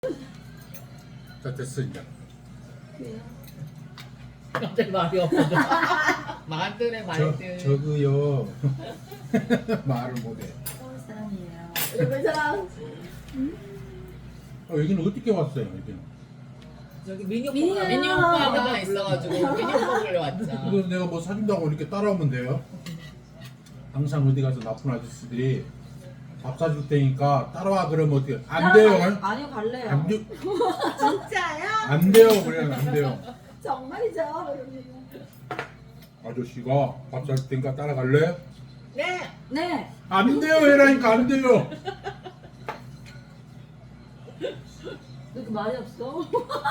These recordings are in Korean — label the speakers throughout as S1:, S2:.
S1: 자 됐어 이제.
S2: 그래요.
S3: 갑자기 말이 없어져. 말들의 말들.
S1: 저그요. 말을 못해.
S2: 서울 사람이에요. 일본 사람.
S1: 여기는 어떻게 왔어요 여기는?
S3: 저기 미니
S2: 미니
S3: 오빠가
S2: 오빠.
S3: 있어가지고 미니 오빠 보러 왔자.
S1: 그래서 내가 뭐 사준다고 이렇게 따라오면 돼요? 항상 어디 가서 나쁜 아저씨들이 밥 사줄 테니까 따라와 그러면 어떻게? 안 돼요.
S2: 아니요 갈래요.
S1: 안, 돼,
S2: 진짜요?
S1: 안 돼요. 그래 안 돼요.
S2: 정말이죠. 그러면.
S1: 아저씨가 밥 사줄 테니까 따라갈래?
S3: 네.
S2: 네.
S1: 안 돼요. 해라니까 안 돼요.
S2: 왜 이렇게 말이 없어?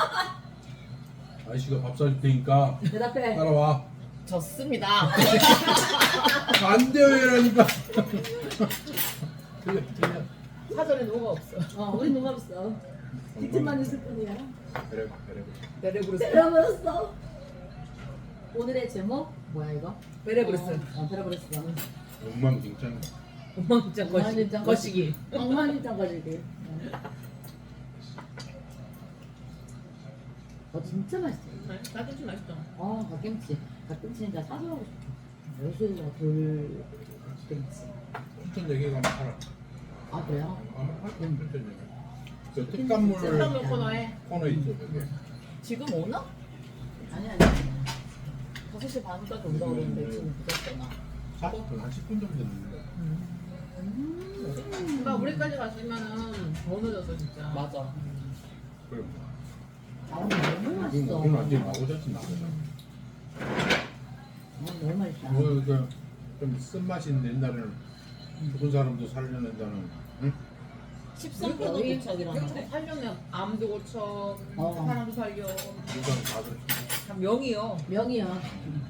S1: 아저씨가 밥 사줄 테니까
S2: 대답해.
S1: 따라와.
S3: 졌습니다.
S1: 안 돼요. 해라니까. 틀려 틀려.
S3: 사전에 뭐가 없어.
S2: 우리 누가 없어. 뒷집만 있을 뿐이야.
S1: 그래.
S3: 베레브루스.
S2: 베라브루스. 오늘의 제목 뭐야 이거?
S3: 베레브루스.
S2: 베라브루스.
S1: 엉망진창.
S3: 엉망진창
S2: 엉망진창
S3: 거시기.
S2: 엉망진창 거리기. 진짜 맛있어.
S3: 나김치 맛있다.
S2: 갓김치. 갓김치 진짜 사서 하고 싶어. 요새가 돌김치.
S1: 춘천 얘기 가면 팔아.
S2: 아 그래요?
S1: 춘천 얘기. 저 특산물
S3: 특산물 코너에
S1: 코너 있죠 저기.
S3: 지금 오나?
S2: 아니.
S3: 5시 반까지 온다고 그러는데 지금 늦었잖아.
S1: 한 10분 정도 됐는데.
S3: 그러니까 우리까지 갔으면은 더 늦었어 진짜. 맞아.
S1: 그래.
S2: 너무 맛있어.
S1: 우리는 완전히 나오자지 나오자.
S2: 너무 맛있다.
S1: 좀 쓴맛이 있는 옛날에는 죽은 사람도 살려낸다는. 응?
S3: 13% 고착이라는데. 살려면 암도 고쳐, 사람도 살려.
S1: 누가는 다 그렇죠.
S3: 참 명이요.
S2: 명이요.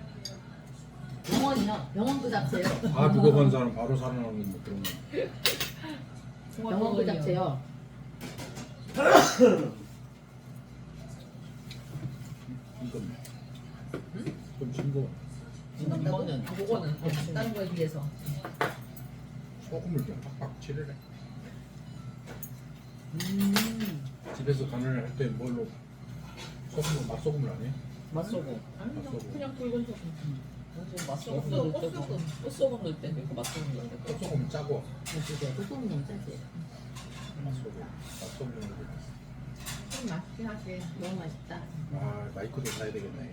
S2: 병원이요. 병원 그 잡채요.
S1: 다 죽어간 사람 바로 살아나는 뭐 그런 거.
S2: 병원 그 잡채요.
S1: 이건 좀 싱거워.
S3: 이거는 그거는 다른 거에 비해서.
S1: 소금을 좀 팍팍 칠해라. 집에서 간을 할 때 뭘로 소금을 맛소금을 안 해?
S3: 맛소금. 아니
S1: 맛소금.
S3: 그냥 붉은 소금. 맛소금 넣을 때 꽃소금 넣을 때 그 맛소금 넣을 때.
S1: 소금은 짜고
S2: 소금 너무 짜지.
S1: 맛소금 넣는 거.
S3: 좀 맛있긴 하지.
S2: 너무 맛있다.
S1: 아 마이크도 사야 되겠네.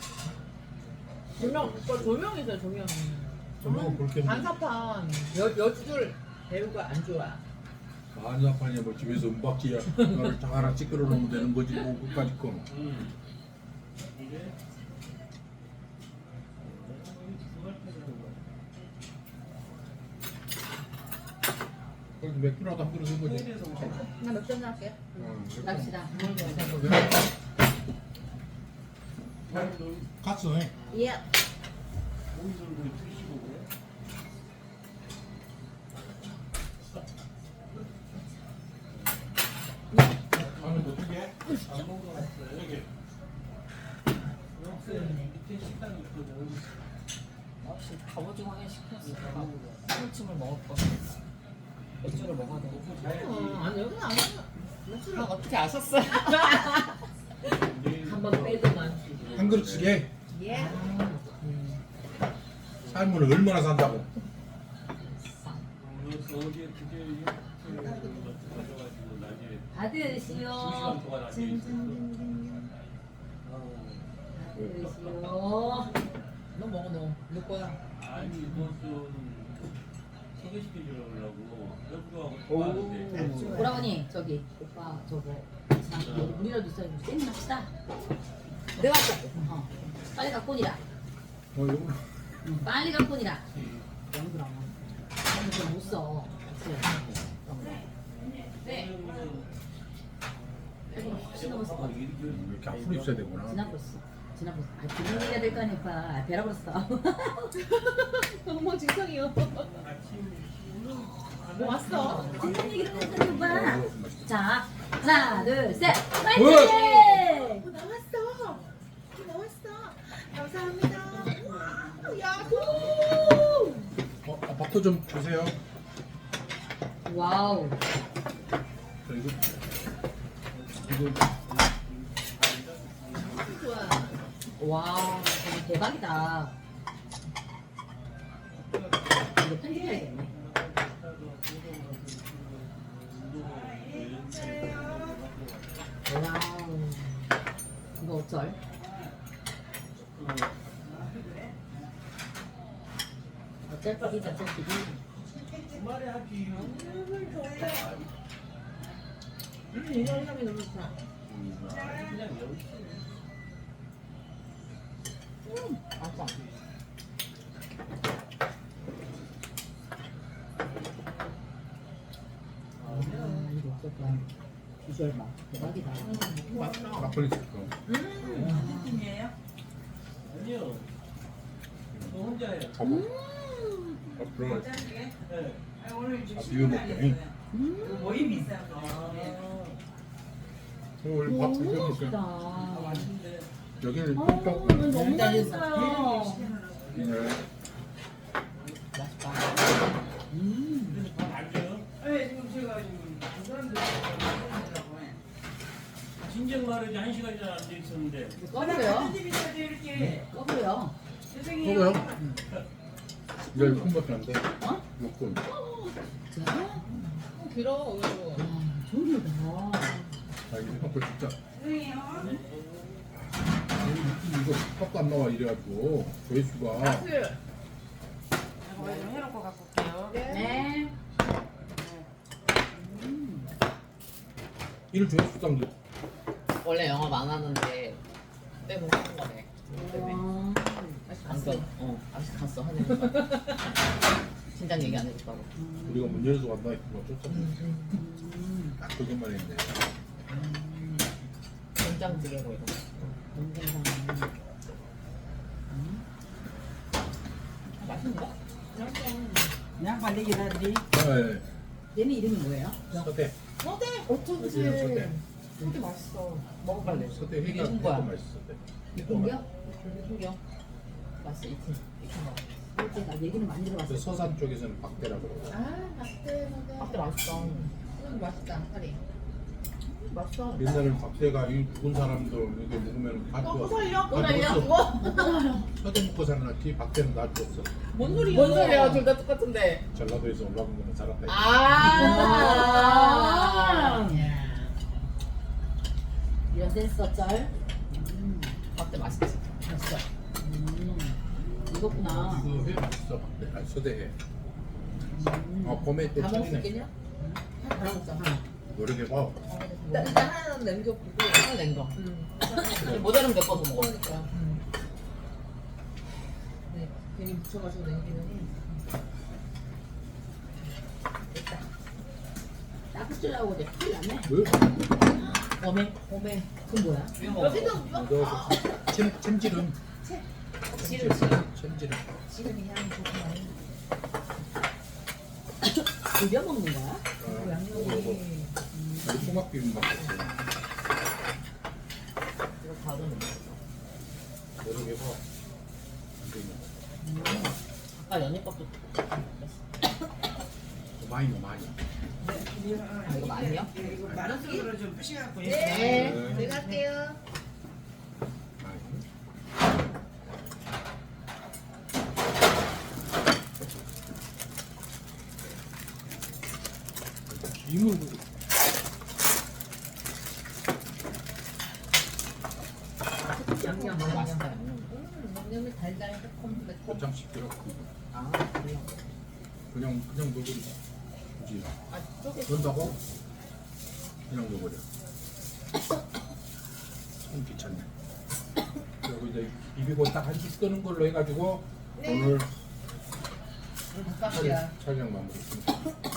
S3: 조명 있어요 조명.
S1: 조명은 볼게.
S3: 반사판 여줄 배우가 안 좋아.
S1: 반사판이야 뭐 집에서 은박지야. 그걸 다 하나 찌끄러 놓으면 되는 거지 뭐 끝까지 거. 그래도 맥주라도 한 그릇 한 거지.
S3: 나 맥주 한잔 할게.
S2: 납시다.
S1: 갔어네.
S3: 예.
S1: 다음에 뭐 어떻게?
S3: 역시 갑오징어 회 시켰어. 한우침을 먹을 거. 맥주를 먹어야 돼. 아니 여기는 안 해. 맥주를 어떻게 아셨어요? 한번 빼더만.
S1: 한 그릇씩 해.
S3: 예.
S1: 삶은 얼마나 산다고.
S2: 받으시오. 받으시오.
S3: 너 먹어 너. 너 거야.
S4: 아니 이것은 소개시켜주려고 옆으로 하고
S2: 오라버니 저기 오빠 저거 우리라도 있어요. 쌤 합시다.
S3: 내가 할게.
S2: 빨리 갖고 오니라.
S1: 이거
S2: 빨리 갖고 오니라. 너무 그럼. 너무 못 써. 네. 혹시 넘었어.
S1: 이렇게 앞으로 있어야 되구나.
S2: 지나버렸어. 지나버렸어. 그런 얘기해야 될 거 아니까. 베라버렸어.
S3: 너무 진상이요. 뭐 왔어?
S2: 무슨 얘기를 했더니 오빠. 자, 하나, 둘, 셋.
S1: 어?
S2: 파이팅!
S3: 나왔어. 나왔어. 감사합니다. 야호.
S1: 밥도 좀 주세요.
S2: 와우.
S1: 저 이거 이거
S2: 와, 이거 대박이다. 이거 편집해야겠네. 와우. 이거 어쩔? 어쩔 뻔이지, 어쩔 뻔이. 이거 향이 너무 좋다. 맛있어. 이거 어쩔 거야. 비주얼 맛. 대박이다.
S1: 막걸리 찍고.
S4: 팀이에요? 아니요. 저 혼자예요.
S1: 봐봐. 아, 그럼
S4: 네.
S5: 오늘
S1: 아, 비벼 먹게.
S5: 모임이 있어요.
S1: 오늘 밥
S2: 너무
S1: 비벼 먹게.
S2: 맛있다.
S1: 여기는
S2: 너무
S1: 똥똥.
S2: 맛있어요.
S1: 네.
S2: 맛있다.
S4: 그래서 밥안 줘요?
S5: 네, 지금 제가 지금 그 사람들
S4: 진작 말이지 1시간이나 안 돼 있었는데.
S2: 꺼버려.
S5: 집이 있어야 이렇게
S2: 꺼버려.
S5: 죄송해요.
S1: 먹어요? 이거 6분밖에 안 돼.
S2: 어?
S1: 6분.
S2: 진짜?
S3: 길어 이거.
S2: 좋다.
S1: 아, 이거 생각보다 진짜.
S5: 죄송해요.
S1: 이거 밥도 안 나와 이래가지고 조회수가.
S5: 제가 좀 해놓고 갖고 올게요.
S2: 네.
S1: 일 조회수당
S3: 원래 영업 안 하는데 빼고 하는 거네.
S2: 와.
S3: 갔어. 아직 갔어 하는 거. 진작 얘기 안 해줬다고.
S1: 우리가 문 열어서 간다 했구만 쫓았네. 딱 그것만 했네.
S3: 된장찌개고 이거. 맛있는데?
S5: 그냥 빨리 기다리.
S1: 네.
S2: 얘는 이름이 뭐예요?
S1: 서대.
S3: 서대 어쩐지.
S1: 여기는 서대.
S3: 서대 맛있어. 먹어볼래.
S1: 서대 회가
S3: 익은 거야.
S1: 맛있어. 서대.
S2: 이쁜겨?
S3: 숨겨. 맛있어. 익힌 거.
S2: 이렇게 나 얘기는 많이
S1: 그
S2: 들어봤어.
S1: 서산 쪽에서는 박대라고 그러고.
S3: 박대 맛있어. 맛있다. 살이. 맛있어.
S1: 옛날에는 박대가 이 죽은 사람들 이렇게 먹으면 다
S3: 또
S1: 줬어.
S3: 살려?
S1: 다 줬어. 서대 먹고 살아났지 박대는 다 줬어.
S3: 뭔 소리야? 뭔 소리야? 둘 다 똑같은데.
S1: 전라도에서 올라온 거는 살았다.
S3: 아.
S2: 이런 센스 어쩔?
S3: 박대 맛있지.
S2: 맛있어. 이거구나.
S1: 이거 회 맛있어 박대. 아 서대 회. 아 봄에 또
S3: 다 먹을 수
S1: 철이네.
S3: 있겠냐? 다 먹자. 하나.
S1: 여러 개 봐.
S3: 일단 하나는 남겨보고 하나 남겨. 모자르면 몇 번 더 먹어. 그러니까. 네, 괜히 묻혀가지고 남기느니. 됐다.
S2: 따뜻하고 이제 큰일 났네.
S1: 왜?
S3: 오메.
S2: 그건 뭐야?
S3: 이거 먹어.
S1: 이거 챔질은.
S3: 지름.
S1: 챔질은.
S3: 지름이 향이 좋구나.
S2: 비벼 먹는 거야?
S3: 양념이.
S1: 우리 소각 비빔밥 같이.
S3: 이거 다른
S1: 여러 개 봐. 안 되냐.
S3: 아까 연잎밥도
S1: 많이 넣어 많이.
S3: 아, 이거 많이요?
S5: 이거 마른 손으로 좀 부셔갖고.
S3: 네.
S1: 네.
S3: 제가 할게요.
S1: 많이. 김을
S3: 양념 너무 맛있다. 양념이 달달 새콤.
S1: 고장씩 들어.
S3: 아, 그래요.
S1: 그냥 넣어버려. 굳이
S3: 아, 쪼개.
S1: 넣는다고? 그냥 넣어버려. 참 귀찮네. 그리고 이제 비비고 딱 한식 끄는 걸로 해가지고 오늘
S3: 닭가슴이야.
S1: 촬영 마무리했습니다.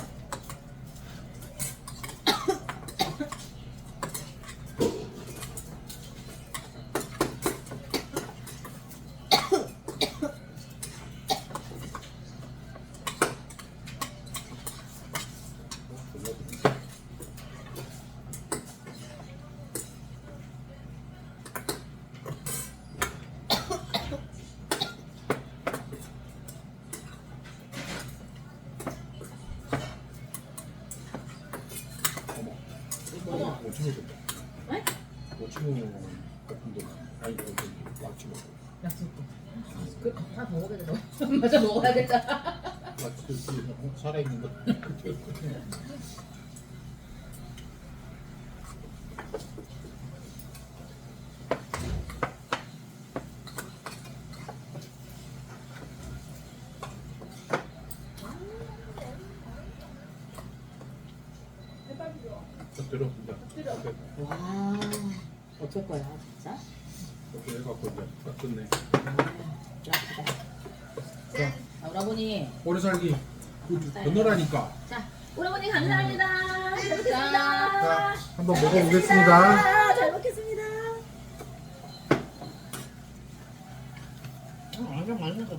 S2: 네?
S1: 오징어 볶음도 아니 저기 락치고
S2: 약속도. 그 하나 더 먹어야 돼. 맞아 먹어야겠다.
S1: 락치 살아있는 거 들어 진짜
S2: 와 어쩔 거야 진짜?
S1: 이렇게 해갖고 이제 딱 끝내
S2: 약하다. 짠. 자, 오라버니.
S1: 오래 살기 건너라니까
S2: 자, 오라버니 감사합니다. 잘 먹겠습니다.
S1: 자 한번 먹어보겠습니다
S2: 잘 먹겠습니다.
S3: 완전 맛있어.